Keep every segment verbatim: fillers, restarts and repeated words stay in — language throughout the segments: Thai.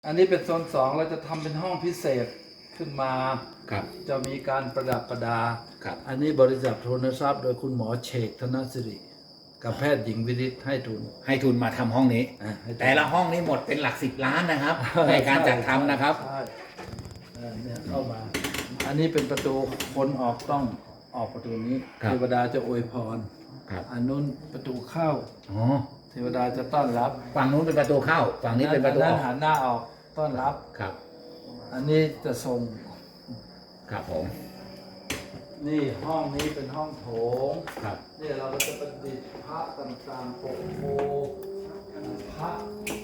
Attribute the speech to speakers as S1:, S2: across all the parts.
S1: อันนี้เป็นโซนสองเราจะทำเป็นห้องพิเศษขึ้นมา
S2: ครับ
S1: จะมีการประดับประดา
S2: ครับ
S1: อันนี้บริจาคทุนทรัพย์โดยคุณหมอเฉกธนสิริกับแพทย์หญิงวิริศให้ทุน
S2: ให้ทุนมาทำห้องนี้
S1: อ่ะให้ทุน
S2: แต่ละห้องนี้หมดเป็นหลักสิบล้านนะครับ ในการจัดทำนะครับ
S1: ใช่เออเนี่ยเข้ามา อันนี้เป็นประตูคนออกต้องออกประตูนี้
S2: ครับ
S1: เทวดาจะอวยพร
S2: ครับ
S1: อันนู้นประตูเข้า
S2: อ๋อ
S1: เทวดาจะต้อนรับ
S2: ฝั่งนู้นเป็นประตูเข้า ฝั่งนี้เป็นประตูอ
S1: อั
S2: อก
S1: หันหน้าออกต้อนรับ
S2: ครับ
S1: อันนี้จะส่ง
S2: ครับผม
S1: นี่ห้องนี้เป็นห้องโถง
S2: ครับ
S1: เนี่ยเราก็จะประดิษฐ์พระต่างๆปกโพพระ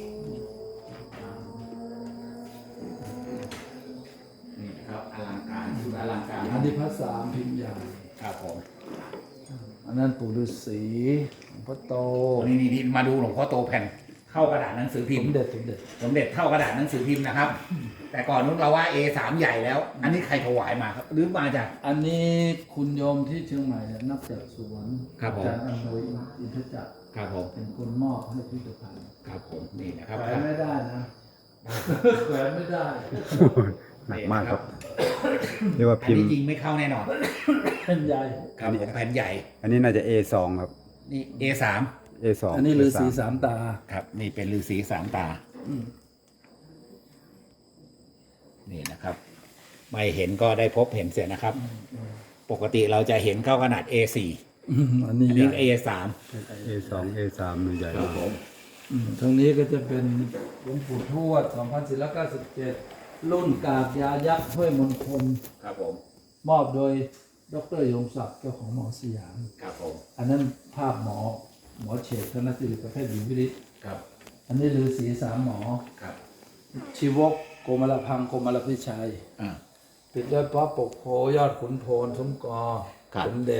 S2: นี่ครับอลังการชุดอลังการ
S1: อันนี้พระสามพิมพ์ใหญ่
S2: ครับผม
S1: อันนั้นปู่ฤาษีหลวงพ่อโต
S2: นี่นี่นี่มาดูหลวงพ่อโตแผ่นเข้ากระดาษหนังสือพิ
S1: ส
S2: ม
S1: ม
S2: พ์
S1: เด็จสมเด็จ
S2: สมเด็จเท่ากระดาษหนังสือพิมพ์นะครับ แต่ก่อนนู้นเราว่า เอ สาม ใหญ่แล้ว อันนี้ใครถวายมาครับ หรือมาจาก
S1: อันนี้คุณโยมที่เชียงใหม่เนี่ยนักจากสวน
S2: ครับผม
S1: อาจารย์อำนวยอินทจักร
S2: ครับผม
S1: เป็นคนมอบให้พิพิธภัณฑ์
S2: ครับผมนี่นะครับ
S1: แขวนไม่ได้นะแขวนไม่ได้
S3: หนักมากครับ เรียกว่า
S2: อัน
S3: พิม
S2: นี้
S3: พ์
S2: ยิงไม่เข้าแน่นอน
S1: เป็นใหญ่
S2: ครับผมแผ่นใหญ่
S3: อันนี้น่าจะ เอ สอง ครับ
S2: นี่ เอ สาม
S3: เอ สอง
S1: อันนี้ฤาษีสามตา
S2: ครับนี่เป็นฤาษีสามตา
S1: อืม
S2: นี่นะครับ ไม่เห็นก็ได้พบเห็นเสียนะครับ ปกติเราจะเห็นเข้าขนาด เอ สี่
S1: อืมอันนี้
S2: อัน
S1: ให
S2: นี้
S1: ญ่
S2: เอ สาม
S3: เอ สอง เอ สามมันใหญ่
S2: ครับ
S3: มาก
S2: ผม
S1: อืมทางนี้ก็จะเป็นหลวงปู่ทวด สองพันสี่ร้อยเก้าสิบเจ็ด รุ่นกาบยายักษ์ห้วยมณฑล
S2: ครับผม
S1: มอบโดยดรยงศักดิ์เจ้าของหมอสยาม
S2: ครับผม
S1: อันนั้นภาพหมอ หมอเฉกธนสิริประเภทหญิงวิริศ
S2: ครับ
S1: อันนี้ฤาษีสามหมอ
S2: ครับ
S1: ชีวกโกมลพังโกมลพิชัย
S2: อ่า
S1: ปิดด้วยพระปกโพยอดขุนโพนสมกอ
S2: ครับ
S1: สมเด็จ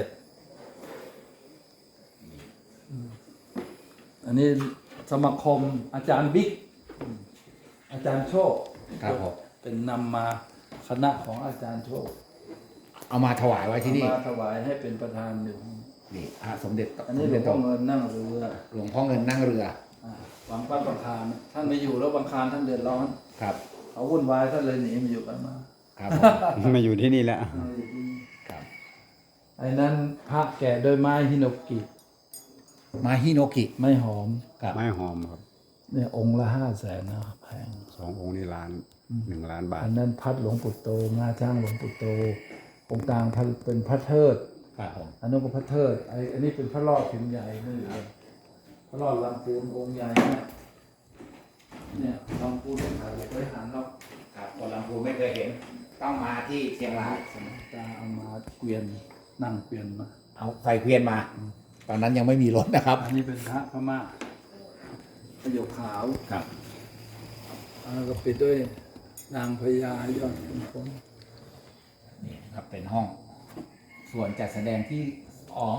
S1: อืมอันนี้สมาคมอาจารย์บิ๊กอืมอาจารย์โชค
S2: ครับผม
S1: เป็นนำมาคณะของอาจารย์โชค
S2: เอามาถวายไว้ที่นี่
S1: เอามาถวายให้เป็นประธานอยู่
S2: นี่พระสมเด็จ
S1: อันนี้หลวงพ่อเงินนั่งเรือ
S2: หลวงพ่อเงินนั่งเรือ
S1: อ่าวังป้าบังคารท่านไม่อยู่แล้วบังคารท่านเดือดร้อน
S2: ครับ
S1: เขาวุ่นวายท่านเลยหนีมาอยู่กันมา
S2: ครับผม
S3: มาอยู่ที่นี่แล้ว
S2: ครับ
S1: ไอ้นั้นพระแกะโดยไม้ฮิโนกิ
S2: มาฮิโนกิ
S1: ไม่หอม
S2: ครับ
S3: ไม้หอมครับ
S1: เนี่ยองค์ละห้าแสนนะครับแพง
S3: สององค์นี่ล้านหนึ่งล้านบาท
S1: อันนั้นพัดหลวงปู่โตงาช้างหลวงปู่โตองค์กลางพัดเป็นพระเทิด
S2: ครับผม
S1: อันนั้นก็พระเทิดไอ้อันนี้เป็นพระรอดพิมพ์ใหญ่นี่เลยพระรอดลำพูนองค์ใหญ่เนี่ยเนี่ยลำพูนถ่ายไว้หันรอบ
S2: ครับคนลำพูนไม่เคยเห็น ต้องมาที่เชียงราย
S1: สมัยตาเอามาเกวียนนั่งเกวียนมา
S2: เอาใส่เกวียนมา ตอนนั้นยังไม่มีรถนะครับ
S1: อันนี้เป็นพระพม่าประโยคขาว
S2: ครับ
S1: แล้วก็ปิดด้วยนางพญายอดขุนพล
S2: นี่ครับเป็นห้อง ส่วนจัดแสดงที่สอง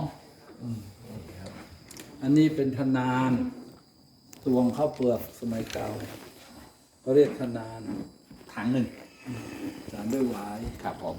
S1: อันนี้เป็นธนานตวงข้าวเปลือกสมัยเก่าเขาเรียกธนาน
S2: ถังหนึ่ง
S1: สารด้วยหวาย
S2: ครับผม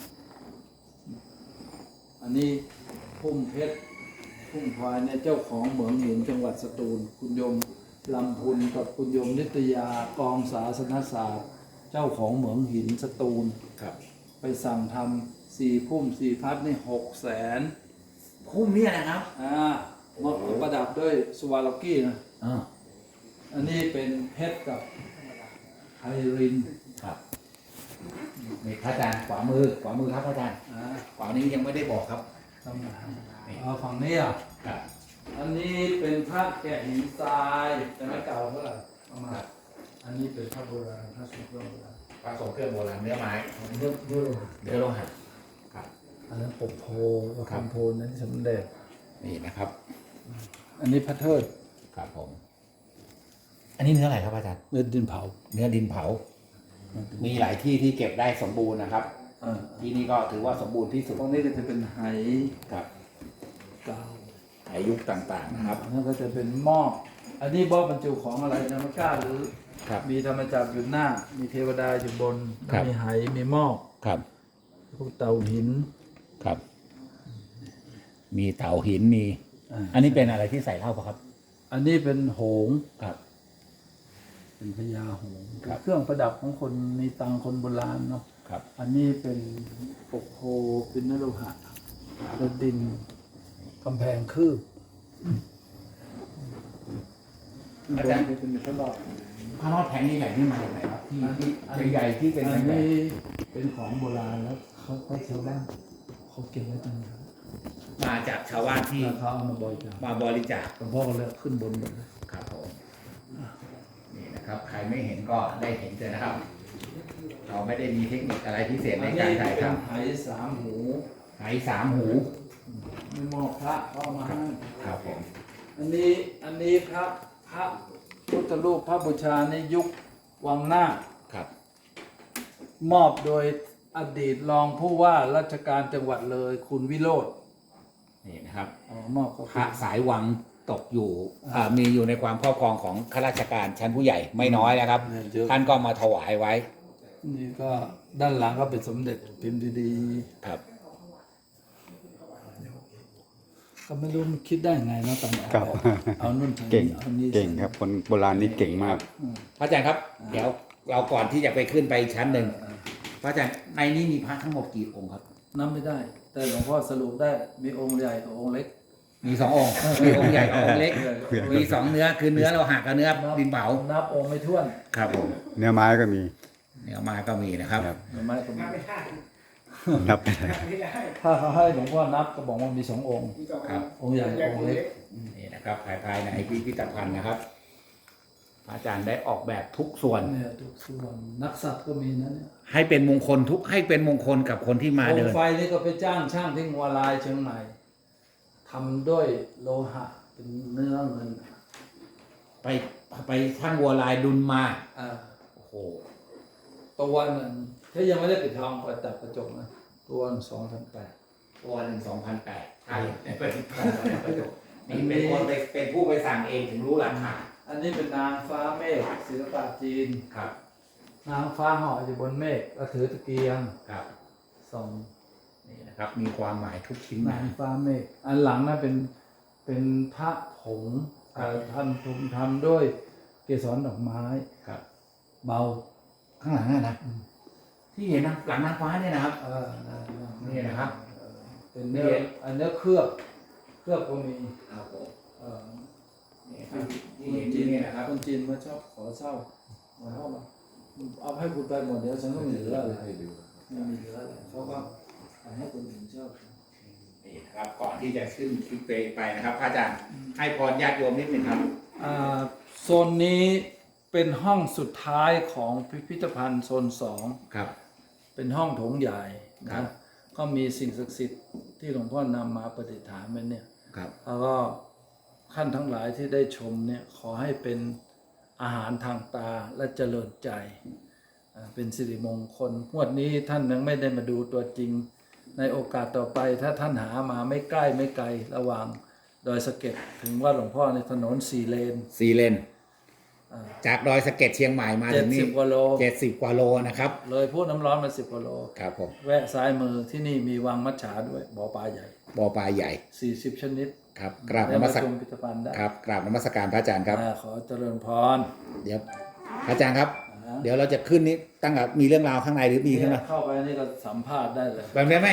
S1: อันนี้พุ่มเพชรพุ่มพลายเนี่ยเจ้าของเหมืองหินจังหวัดสตูล คุณโยมลำพุนกับคุณโยมนิตยากองศาสนศาสตร์ เจ้าของเหมืองหินสตูล
S2: ครับ
S1: ไปสั่งทำสี่พุ่มสี่พัดนี่หกแสน
S2: คุ้มเนี่ยนะครับ
S1: อ่ามาประดับด้วยสวาลกี้นะ
S2: อ่า
S1: อันนี้เป็นเพชรกับไฮริน
S2: ครับนี่พระอาจารย์ขวามือขวามือครับพระอาจารย์
S1: อ่า
S2: ขวานี้ยังไม่ได้บอกครับ
S1: ทำมาเอาฝั่งนี้อ่ะ
S2: ครับ
S1: อันนี้เป็นพระแกะหินทรายแต่ไม่เก่าเท่าไหร่เอามา อันนี้เป็นพระโบราณพระสุโบราณ
S2: พระทรงเครื่องโบราณเนื้อไม้
S1: เรื่องเรื่อง
S2: เนื้อโลหะครับ
S1: อันนั้นปกโพ
S2: ครั
S1: คำ
S2: บ
S1: โพนั้นสมเด็จ
S2: นี่นะครับ
S1: อันนี้พระเทิด
S2: ครับผม อันนี้เนื้ออะไรครับอาจารย์
S1: เนื้อดินเผา
S2: เนื้อดินเผา มีหลายที่ที่เก็บได้สมบูรณ์นะครับ
S1: อ่า
S2: ที่นี่ก็ถือว่าสมบูรณ์ที่สุด
S1: ตรงนี้ก็จะเป็นไห
S2: ครับ
S1: เก่า
S2: อายุต่างๆนะครับ
S1: แล้วก็จะเป็นหม้ออันนี้หม้อบรรจุของอะไรนะไม่กล้าหรือ
S2: ครับ
S1: มีธรรมจักรอยู่หน้า มีเทวดาอยู่บน
S2: ครับ
S1: มีไหมีหม้อ
S2: ครับ
S1: พวกเตาหิน
S2: ครับ มีเต่าหินมี
S1: อ่า
S2: อันนี้เป็นอะไรที่ใส่เหล้าปะครับ
S1: อันนี้เป็นโหง
S2: ครับ
S1: เป็นพญาหงส์
S2: ครับ
S1: เครื่องประดับของคนมีตังคนโบราณเนาะ
S2: ครับ
S1: อันนี้เป็นปกโพเป็นนโลหะระดินกำแพงคืบ
S2: อาจารย์
S1: เป็นพระรอด
S2: พระรอดแผงใหญ่ๆนี่มาจากไหนครับที่ที่ใหญ่ๆที่เป็น
S1: อัน
S2: แผง
S1: นี้เป็นของโบราณแล้วเขาเขาชาวบ้านเขาเก็บไว้ตรงนั้น
S2: ๆมาจากชาวบ้านที่
S1: แล้วเขาเอามาบริจาค
S2: มาบริจาค
S1: หลวงพ่อก็เลยขึ้นบนหมดเลย
S2: ครับผมนี่นะครับ ใครไม่เห็นก็ได้เห็นเลยนะครับ เราไม่ได้มีเทคนิคอะไรพิเศษในการถ่าย
S1: เป็น
S2: ทำ
S1: ไหสามหู
S2: ไหสามหู
S1: มีหมอกพระเข้ามาให้
S2: ครับผม
S1: อันนี้อันนี้พระพระพุทธรูปพระบูชาในยุควังหน้า
S2: ครับ
S1: มอบโดยอดีตรองผู้ว่าราชการจังหวัดเลยคุณวิโรธ
S2: นี่นะครับ
S1: อ๋อมอบก็
S2: พระสายวังตกอยู่อ่ามีอยู่ในความครอบครองของข้าราชการชั้นผู้ใหญ่ไม่น้อยนะครับ
S1: เยอะ
S2: ท่านก็มาถวายไว้
S1: นี่ก็ด้านหลังก็เป็นสมเด็จพิมพ์ดี
S2: ครับ
S1: ๆก็ไม่รู้มันคิดได้ไงเนาะตอนนี้
S3: ครับ
S1: เอานุ่นใช้
S3: เก่ง
S1: นี่เอานี่
S3: เก่งครับ คนโบราณนี่เก่งมาก
S2: พระอาจารย์ครับ เดี๋ยวเราก่อนที่จะไปขึ้นไปชั้นหนึ่งพระอาจารย์ในนี้มีพระทั้งหมดกี่องค์ครับ
S1: นับไม่ได้ แต่หลวงพ่อสรุปได้มีองค์ใหญ่กับองค์เล็ก
S2: มีสององค์ มีองค์ใหญ่กับองค์เล็ก มีสองเนื้อคือเนื้อเราหักกับเนื้อดินเผา
S1: นับองค์ไม่ถ้วน
S2: ครับผม
S3: เนื้อไม้ก็มี
S2: เนื้อมาก็มีนะครับ
S3: ครับ
S1: หรือไม่ก็มี
S3: นับไปเลย
S1: ถ้าเขาให้หลวงพ่อนับก็บอกว่ามีสององค์
S2: ครับ
S1: องค์ใหญ่กับองค์เล็ก
S2: นี่นะครับภายภายในพิพิธภัณฑ์นะครับพระอาจารย์ได้ออกแบบทุกส่วน
S1: เนี่ยทุกส่วนนักสัตว์ก็มีนะเนี่ย
S2: ให้เป็นมงคลทุกให้เป็นมงคลกับคนที่มา
S1: โค
S2: เดิ
S1: ม
S2: น
S1: ไฟนี่ก็ไปจ้างช่างที่งัวลายเชียงใหม่ทำด้วยโลหะเป็นเนื้อเงิน
S2: ไปไปช่างวัวลายดุลมา
S1: อ่า
S2: โอ้โห
S1: ตัวหนึ่งถ้ายังไม่ได้ปิดทองเปิดจับกระจกนะตัวสองพันแปด
S2: ตัวหนึ่งสองพันแปดใช่เป็นนี่เป็นคนไปเป็นผู้ไปสั่งเองถึงรู้ราคา
S1: อันนี้เป็นนางฟ้าเมฆศิลปะจีน
S2: ครับ
S1: นางฟ้าเหาะอยู่บนเมฆก็ถือตะเกียง
S2: ครับ
S1: สอง
S2: นี่นะครับมีความหมายทุกชิ้น
S1: นางฟ้าเมฆอันหลังนั้นเป็นเป็นพระผงเอ่อท่านทุมทำด้วยเกสรดอกไม้
S2: ครับ
S1: เบา
S2: ข้างหลังน่ะนะที่เห็นนะหลังนางฟ้าเนี่ยนะครับ
S1: เออนั่น
S2: นี่นะครับ
S1: เออเป็นเนื้ออันเนื้อเคลือบเคลือบก็มี
S2: ครับผม
S1: เออ
S2: นี่ครับที่
S1: คน
S2: เห็น
S1: จี
S2: ที่
S1: น
S2: นี่นะครับ
S1: คนจีนมาชอบขอเช่ามาเข้ามาเอาให้คุณไปหมดเดี๋ยวฉันก็ไม่เหลืออะไรไม่มีเหลืออะไรเขาก็ให้คนอื่นเช่า
S2: นี่นะครับก่อนที่จะขึ้นคลิปไปนะครับพระอาจารย์ให้พรญาติโยมนิดหนึ่งครับ
S1: อ่าโซนนี้เป็นห้องสุดท้ายของพิพิธภัณฑ์โซนสอง
S2: ครับ
S1: เป็นห้องโถงใหญ่
S2: ครั
S1: นะ
S2: บ
S1: ก็มีสิ่งศักดิ์สิทธิ์ที่หลวงพ่อนำมาประดิษฐานไว้เนี่ย
S2: ครับ
S1: แล้วก็ท่านทั้งหลายที่ได้ชมเนี่ยขอให้เป็นอาหารทางตาและเจริญใจอ่าเป็นสิริมงคลงวดนี้ท่านยังไม่ได้มาดูตัวจริง ในโอกาสต่อไปถ้าท่านหามาไม่ใกล้ไม่ไกลระหว่างดอยสะเก็ดถึงวัดหลวงพ่อในถนนสี่เลน
S2: สี่เลน
S1: อ่า
S2: จากดอยสะเก็ดเชียงใหม่มา
S1: เจ็
S2: ถึ
S1: ด
S2: ง
S1: สิ
S2: นี่
S1: บกว่าโล
S2: เจ็ดสิบกว่าโลนะครับ
S1: เลยพูดน้ำร้อนมาสิบกว่าโล
S2: ครับผม
S1: แวะซ้ายมือที่นี่มีวังมัจฉาด้วยบ่อปลาใหญ่
S2: บ่อปลาใหญ่
S1: สี่สิบชนิด
S2: ครับกราบน
S1: แล้ว
S2: มั
S1: มา
S2: ส
S1: ช
S2: ก
S1: มพิพิธภัณฑ์ได้
S2: ครับกราบนมัสการพระอาจารย์ครับ
S1: อ่าขอเจริญพร
S2: เดี๋ยวพระอาจารย์ครับ
S1: อ่า
S2: เดี๋ยวเราจะขึ้นนี้ตั้งแต่มีเรื่องราวข้างในหรือมีข้างใน
S1: เข้าไปนี่ก็สัมภาษณ์ได้เลย
S2: แบบนี้ไหม